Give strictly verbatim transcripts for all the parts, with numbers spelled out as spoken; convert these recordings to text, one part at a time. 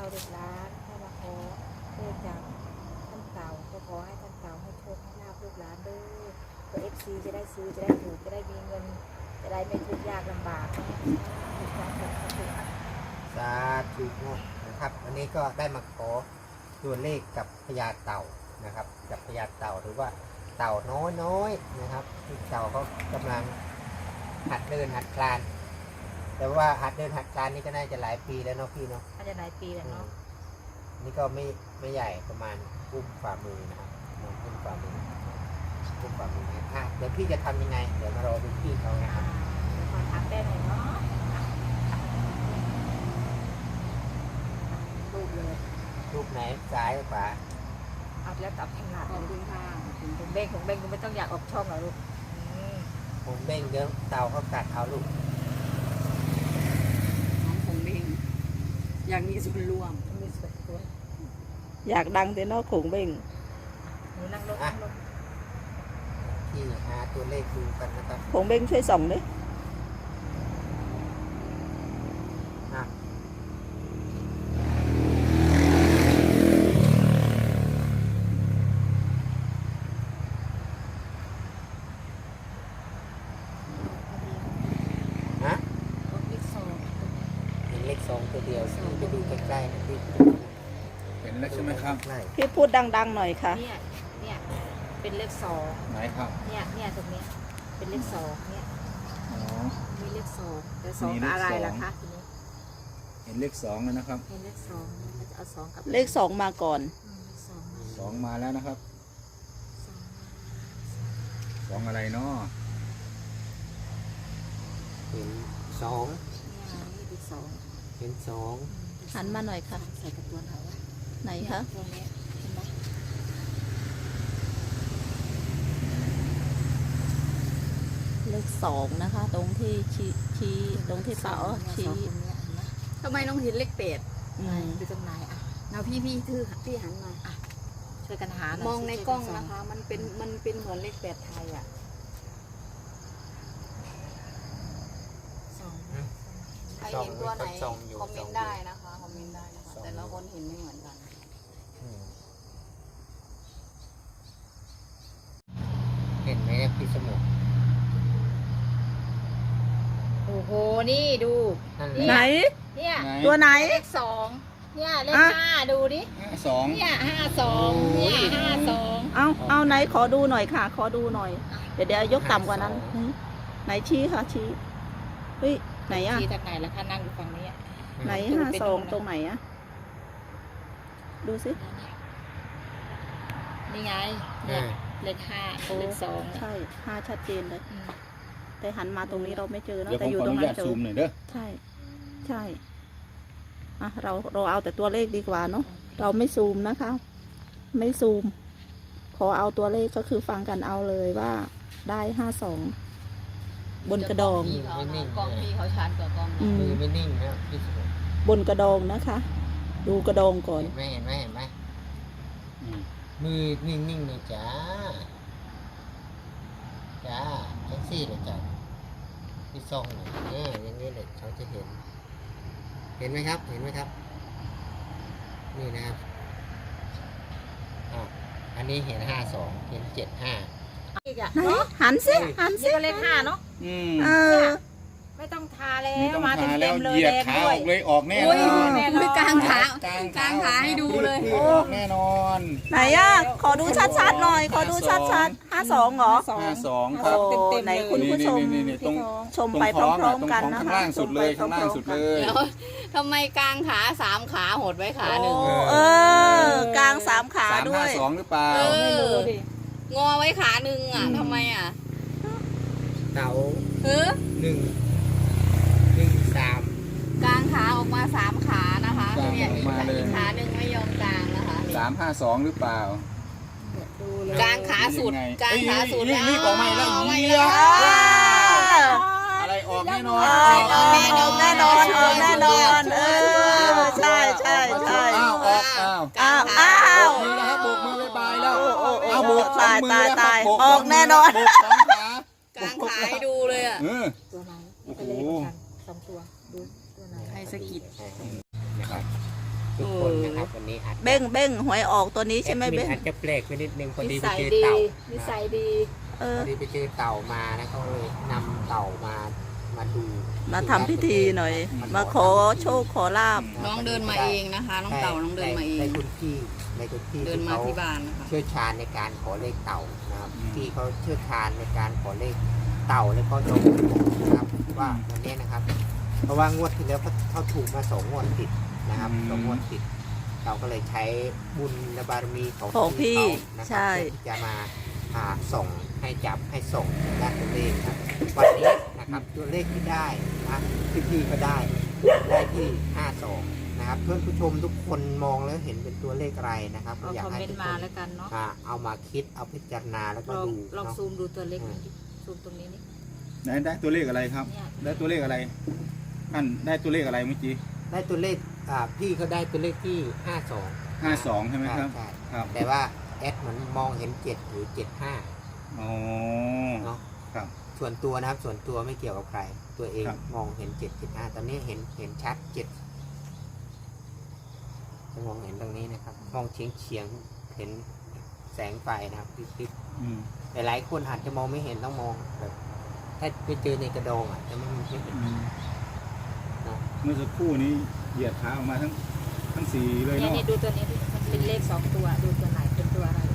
ลูกหลานให้มาขอเลขจากท่านเก่าก็ขอให้ท่านเก่าให้โชคให้ลาบลูกหลานด้วยตัวเอฟซีจะได้ซื้อจะได้ถูกจะได้มีเงินจะได้ไม่ทุกข์ยากลำบากนะถูกต้องถูกต้องถูกสาธุนะครับวันนี้ก็ได้มาขอตัวเลขกับพญาเต่านะครับกับพญาเต่าหรือว่าเต่าน้อยน้อยนะครับที่เต่าเขากำลังหัดเดินหัดคลานแต่ว่าหัดเดินหัดคลานนี่ก็น่าจะหลายปีแล้วเนาะพี่เนาะอาจจะหลายปีแล้วเนาะนี่ก็ไม่ไม่ใหญ่ประมาณอุ้มฝ่ามือนะครับอุ้มฝ่ามืออุ้มฝ่ามืออ่ะเดี๋ยวพี่จะทำยังไงเดี๋ยวมารอดูพี่เขานะครับขอถามแป้หน่อยเนาะรูปเลยรูปไหนซ้ายหรือขวาเอาแล้วตับทางหลังขอบคุณค่ะผมเบ้งผมเบ้งก็ไม่ต้องอยากออกช่องหรอกลูกผมเบ่งเดี๋ยวเต่าเขากัดเอาลูกน้องผมเองอยากมีส่วนร่วมมีส่วนตัวอยากดังแต่นอกโขงเบ่งหนูนั่งลงนั่งลงที่หาตัวเลขดูกันนะครับโขงเบ่งช่วยส่องด้วยอ่ะฮะเลขสองเห็นเลขสองตัวเดียวสิไปดูใกล้ๆนะพี่เห็นแล้วใช่ไหมครับใกล้พี่พูดดังๆหน่อยค่ะเนี่ยเนี่ยเป็นเลขสองไหนครับเนี่ยเนี่ยตรงเนี้ยเป็นเลขสองเนี่ยอ๋อมีเลขสองแต่สองมีเลขอะไรสองล่ะคะทีนี้เห็นเลขสองแล้วนะครับเห็นเลขสองเราจะเอาสองกับเลขสองมาก่อนอืมเลขสองมาสองมาแล้วนะครับสองมาสองอะไรเนาะเห็นสองเนี่ยนี่เลขสองเห็นสองหันมาหน่อยค่ะใส่กับตัวไหนวะไหนคะตัวเนี้ยเห็นไหมเลขสองนะคะ ตรงที่ชี้ชี้ตรงที่เป๋าเนี่ยชี้สองตรงเนี้ยเห็นไหมทำไมน้องเห็นเลขเป็ดอืมดูตรงไหนอ่ะเอาพี่พี่ถือพี่หันมาช่วยกันหาหน่ยมองในช่วยกล้องส่นะคะ มันเป็นมันเป็นเหมือนเลขเป็ดไทยอ่ะสองใครเห็นตัวไหนคอมเมนต์ได้นะคะคอมเมนต์ได้นะคะแต่ละคนเห็นไม่เหมือนกันอืมเห็นไหมเนี่ยพี่สมุทรโอ้โหนี่ดูนั่นแหไหนละเนี่ยไหนตัวไหนเลขสองเนี่ยเลขอ่ะห้าดูดิห้าสองเนี่ยห้าสองเนี่ยห้าสองเอาเอาไหนขอดูหน่อยค่ะ ขอดูหน่อย เดี๋ยวเดี๋ยวยกต่ำกว่านั้นหืมไหนชี้ค่ะชี้ เฮ้ย ไหนอะชี้จากไหนล่ะคะนั่งอยู่ฝั่งนี้อะไหนห้าสองตรงไหนอะดูสินี่ไงเนี่ยเลขห้าเลขสองใช่ห้าชัดเจนเลยอืมแต่หันมาตรงนี้เราไม่เจอเนอะเดี๋ยวผแต่มอยู่ขอตอรงนุนั้ญาน ตเจอซูมหน่อยเด้อใช่ ใช่ อ่ะ เราเราเอาแต่ตัวเลขดีกว่าเนาะ เราไม่ซูมนะคะ ไม่ซูม ขอเอาตัวเลขก็คือฟังกันเอาเลยว่าได้ห้าสองบนกระดองพี่เขานะกล้องพี่เขาชันกว่ากล้องอืนะมมือไม่นิ่งนะพี่สมุทรบนกระดองนะคะ ดูกระดองก่อนเห็นไหมเห็นไหมเห็นไหมอืมมือนิ่งๆเลยจ้าจ้าแท็กซี่เลยจ้าพี่ซองหน่อยเอออย่างนี้เลยเขาจะเห็น เห็นไหมครับ เห็นไหมครับ นี่นะครับอ่ะอันนี้เห็นห้าสองเห็นเจ็ดห้าอีกอ่ะไหนเนาะหันสิหันสินี่ก็เลขห้าเนาะอืมเออไม่ต้องทาแล้วไม่ต้องมาทาเต็แล้วมๆเลยเหยียดแดงขาด้อวยอกเลยออกแน่นโอ้ยอนแน่นอนไม่กลางขากลางกลางขาให้ดูเลยออกแน่นอนไหนอะขอดูชัดๆหน่อย ขอดูชัดๆห้าสองเหรอห้าสองคโอ้รับไหนคุณผู้ชมนี่นี่นี่ตรงชมตรงไปพท้องร้อ่ะอมตรงๆกันท้องนะข้างคะล่างสุดเลยชข้างมไปล่างสุดพร้เลอมๆกันยเดี๋ยวทำไมกลางขาสามขาหดไว้ขาหนึ่งโอ้เออกลางสามขาสามด้ห้าวยสองหรือเปล่าเอองอไว้ขาหนึ่งอ่ะทำไมอ่ะเต๋าเออหนึ่งหนึ่งสามกลางขาออกมาสามขานะคะกลางเนี่ยออกมาเลยอีกขาหนึ่งไม่ยอมกลางนะคะสามห้าสองหรือเปล่าดูเลยกลางขาสุดยังไงกลางขาสุดเอ้ยรีบออกมาอีกแล้วเอาเหี้ไม่ยแล้วอะไรออกแน่นอนเออเออออกแน่นอนออกแน่นอนเออใช่ใช่ใช่อ้าวออกอ้าวอ้าวอ้าโบวกมือแล้วครับโบกมือบ๊ายบายแล้วโอ้โอ้โอ้เอาโบกสองตายมือตายแล้วตายครับโบออกแน่นอนโบกสองขากลางขาให้ดูเลยอ่ะเออตัวไหนโอ้โหเป็นเลขเหมือนกันสองตัวดูตัวไหนใครสะกิดนะครับทุกโอ้คนงเบ้งหวยออกตัวนี้ใช่ไหมแอดเบ้งอาจจะแปลกไปนิดนึงพอนิดีไปสัยเจอดีเต่านิสัยดีเออพอดีไปเจอเต่ามานะเขาเลยนำเต่ามามาดูมาทำพิธีหน่อย มาขอโชคขอลาบน้องเดินมาเองนะคะ น้องเต่าน้องเดินมาเอในงคุณพี่ในคุณพี่เดินมาที่บ้านนะคะเชี่ยวชาญในการขอเลขเต่านะครับที่เขาเชี่ยวชาญในการขอเลขเต่าแล้วก็ตรงนะครับว่าวันนี้นะครับ เพราะว่างวดที่แล้วเขาเขาถูกมาสองงวดติดนะครับสองงวดติดเราก็เลยใช้บุญและบารมีของของพี่เขานะคใช่รับเพื่อที่จะมาอ่าส่งให้จับให้ส่งด้านตัวเลขครับวันนี้นะครับตัวเลขที่ได้นะพี่พี่ก็ได้ได้ที่ห้าสองนะครับเพื่อนผู้ชมทุกคนมองแล้วเห็นเป็นตัวเลขอะไรนะครับเอาอยากคอมให้เมนทุกต์คมาน แล้วกันเนาะอ่าเอามาคิดเอาพิจารณาแล้วก็ลองดูลองเนาะซูมดูตัวเลขนี้ดิซูมตรงนี้นี่ไหนได้ตัวเลขอะไรครับเนี่ยได้ตัวเลขอะไรท่านได้ตัวเลขอะไรเมื่อกี้ได้ตัวเลขอ่าพี่เขาได้ตัวเลขที่ห้าสองห้าสองใช่ไหมครับใช่ครับแต่ว่าแอดเหมือนมองเห็นเจ็ดหรือเจ็ดห้าอ๋อเนาะครับส่วนตัวนะครับส่วนตัวไม่เกี่ยวกับใคร ตัวเองครับมองเห็นเจ็ดเจ็ดห้าตอนนี้เห็นเห็นชัดเจ็ดจะมองเห็นตรงนี้นะครับ มองเฉียงเฉียงๆเห็นแสงไฟนะครับพิบอืมๆแต่หลายคนอาจจะมองไม่เห็นต้องมองแบบถ้าไปเจอในกระดองอ่ะจะไม่ไม่เห็นอืมเนาะเมื่อสักครู่นี้เหยียดขาออกมาทั้งทั้งสี่เลยเนี่ยเนาะนี่ดูตัวนี้ดิมันเป็นเลขสองตัวดูตัวไหนเป็นตัวอะไร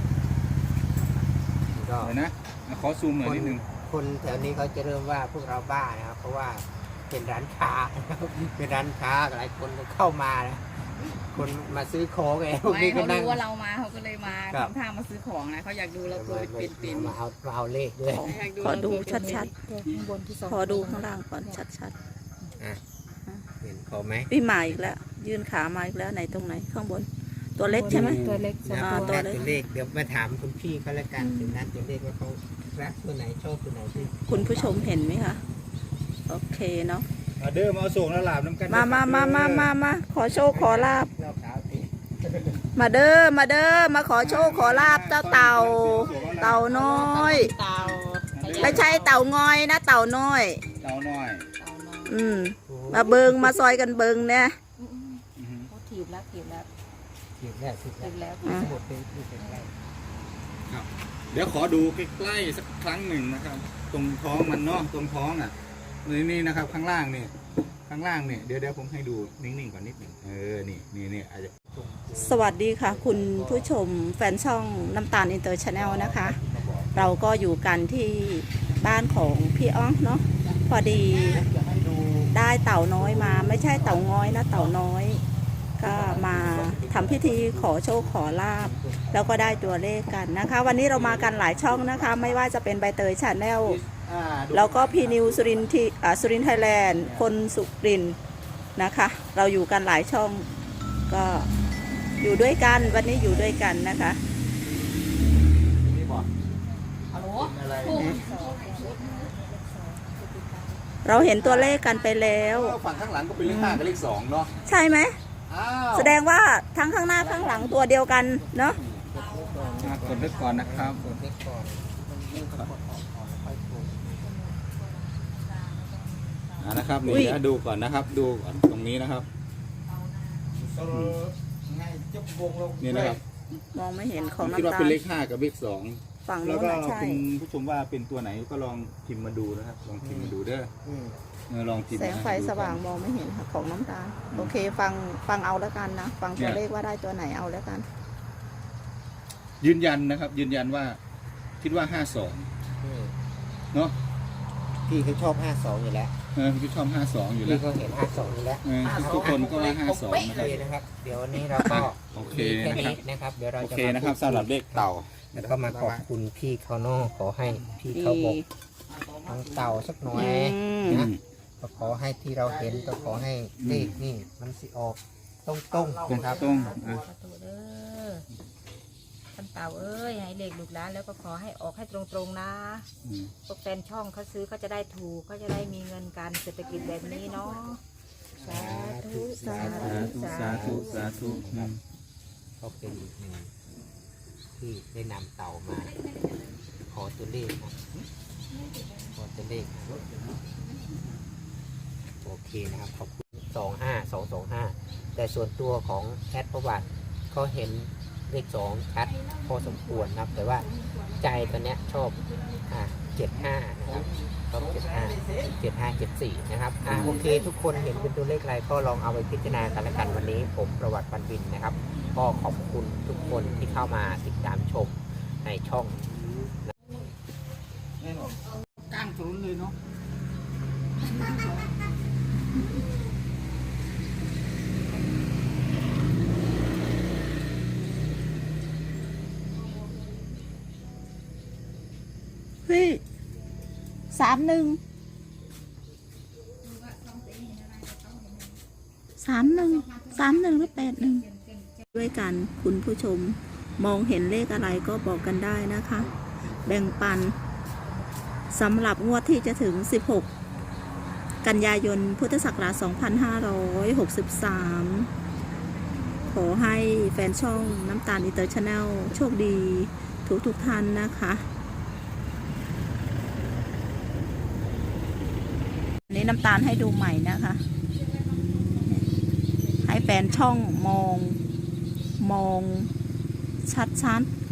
ก็เดี๋ยวนะขอซูมหน่อยนิดนึงคนแถวนี้เขาจะเริ่มว่าพวกเราบ้านะครับ เพราะว่าเป็นร้านค้า เป็นร้านค้าหลายคนก็เข้ามานะคนมาซื้อของไงพวกไม่นี้ก็เขานั่งรู้ว่าเรามาเขาก็เลยมาครับทำท่ามาซื้อของนะเขาอยากดูเราตัวเป็นมาเอามาเอาเลขด้วยๆอยากขอดูเราตัวเป็นๆชัดตัวข้างบนที่สองขอดูข้างล่างก่อนชัดอ่ะเห็นพอไหมๆพี่มาอีกแล้ว ยื่นขามาอีกแล้วไหนตรงไหนข้างบน ตัวเล็กใช่ไหมตัวเล็กสองนะอ่าตัวได้ตัวเลขตัวเลขเดี๋ยวมาถามคุณพี่เขาแล้วกันอืมถึงนั้นตัวเลขว่าเขารักตัวไหนชอบตัวไหนที่คุณผู้ชมเห็นไหมคะ โอเคเนาะเอาเดิมเอาส่งแล้วหลาบน้ำกันมามามามามามาขอโชคขอลาบเราขาวสิมาเด้อมาเด้อมาขอโชคขอลาบเจ้าเต่า เต่าน้อยเต่าไม่ใช่เต่างอยนะเต่าน้อยเต่าน้อยเต่าน้อยอืมมาเบิงมาซอยกันเบิงเนี่ยอืมอือฮึๆเขาถีบแล้วถีบแล้วถีบแล้วถีบถีแล้วบแล้วสมุดเป็นที่เป็นไรเดี๋ยวขอดูใกล้ๆสักครั้งหนึ่งนะครับ ตรงท้องมันเนาะตรงท้องอ่ะนี่นี่นะครับ ข้างล่างนี่ข้างล่างเนี่ยเดี๋ยวเดี๋ยวผมให้ดูนิ่งๆก่อนนิดหนึ่งเออนี่นี่นี่อาจจะสวัสดีค่ะ คุณผู้ชมแฟนช่องน้ำตาลอินเตอร์ชาแนลนะคะ เราก็อยู่กันที่บ้านของพี่อ้องเนาะพอดีได้เต่าน้อยมา ไม่ใช่เต่าง้อยนะเต่าน้อย ก็มาทำพิธีขอโชคขอลาบ แล้วก็ได้ตัวเลขกันนะคะ วันนี้เรามากันหลายช่องนะคะ ไม่ว่าจะเป็นใบเตยชาแนลอ่าดูแล้วก็พีนิวสุรินทีอ่าสุรินไทยแลนด์ คนสุรินทร์นะคะ เราอยู่กันหลายช่อง ก็อยู่ด้วยกันวันนี้อยู่ด้วยกันนะคะนี่บอกฮัลโหลอะไรเราเห็นตัวเลขกันไปแล้วฝั่งข้างหลังก็เป็นเลขห้ากับเลขสองเนาะใช่ไหมอ้าวแสดงว่าทั้งข้างหน้าข้างหลังตัวเดียวกันเนาะอ่ากดเลือกก่อนนะครับกดเลขก่อนมันยิ่งกดออกออกค่อยกดอ่านะครับนี่อุ้ยเดี๋ยวดูก่อนนะครับ ดูก่อนตรงนี้นะครับนี่นะครับมองไม่เห็นขผองมคิดว่าน้ำตาเป็ลนเลขห้ากับเลขสองฝั่งแล้โน้วน ก็น่ะใช่คุณผู้ชมว่าเป็นตัวไหนก็ลองพิมพ์มาดูนะครับ ลองพิมพ์มาดูเด้ออืมเออลองพิมพ์แสงไฟมาให้ดูสว่างมองไม่เห็นค่ะของน้ำตาล โอเค ฟังฟังเอาแล้วกันนะ ฟังตัวเนี่ยเลขว่าได้ตัวไหนเอาแล้วกันยืนยันนะครับ ยืนยันว่า คิดว่าห้าสองอืมเนาะพี่เขาชอบห้าสองอยู่แล้วเออพี่ชอบห้าสองอยู่แล้พี่วก็เห็นห้าสองอยู่แล้วเออทุกคนก็ว่าห้าสองนะคเลรับยนะครับ เดี๋ยววันนี้เราก็โอเคมีแค่นะครับนี้นะครับ เดี๋ยวเราโอจะเคมานะครับพูดสำหรับเลขเต่าแล้วก็มาขอบคุณพี่เขาเนอะขอให้พี่เขาบอกทางเต่าสักหน่อยอืมนะก็ขอให้ที่เราเห็นก็ขอให้เลขนี่มันสิออกตรงๆตรงนะครับตรงอ่ะขอโทษเด้อท่านเต่าเอ้ยให้เลขลูกหลานแล้วก็ขอให้ออกให้ตรงๆนะอืมพวกแฟนช่องเขาซื้อเขาจะได้ถูกเขาจะได้มีเงินการเศรษฐกิจแบบนี้เนาะสาธุสาสาธุธุสาธุสาธุอืมก็เป็นอีกหนึ่งที่ได้นำเต่ามา ขอตัวเลขนะขอตัวเลขนะโอเคนะครับ ขอบคุณสองห้าสองสองห้าแต่ส่วนตัวของแอดประวัติก็เห็นเลขสองชัดพอสมควรนะครับ แต่ว่าใจตัวเนี้ยชอบอ่าเจ็ดห้านะครับชอบเจ็ดห้าเจ็ดห้าเจ็ดสี่นะครับอ่าโอเค ทุกคนเห็นเป็นตัวเลขอะไรก็ลองเอาไปพิจารณากันละกันวันนี้ผมประวัติบันบินนะครับก็ขอบคุณทุกคนที่เข้ามาติดตามชมในช่องก้างศูนย์เลยเนาะเฮ้ยสามหนึ่งสามหนึ่งสามหนึ่งหรือแปดหนึ่งด้วยกันคุณผู้ชมมองเห็นเลขอะไรก็บอกกันได้นะคะ แบ่งปันสำหรับงวดที่จะถึงสิบหกกันยายนพุทธศักราชสองพันห้าร้อยหกสิบสามขอให้แฟนช่องน้ำตาลอินเตอร์ชาแนลโชคดีทุกทุกท่านนะคะอันนี้น้ำตาลให้ดูใหม่นะคะให้แฟนช่องมองมองชัดๆ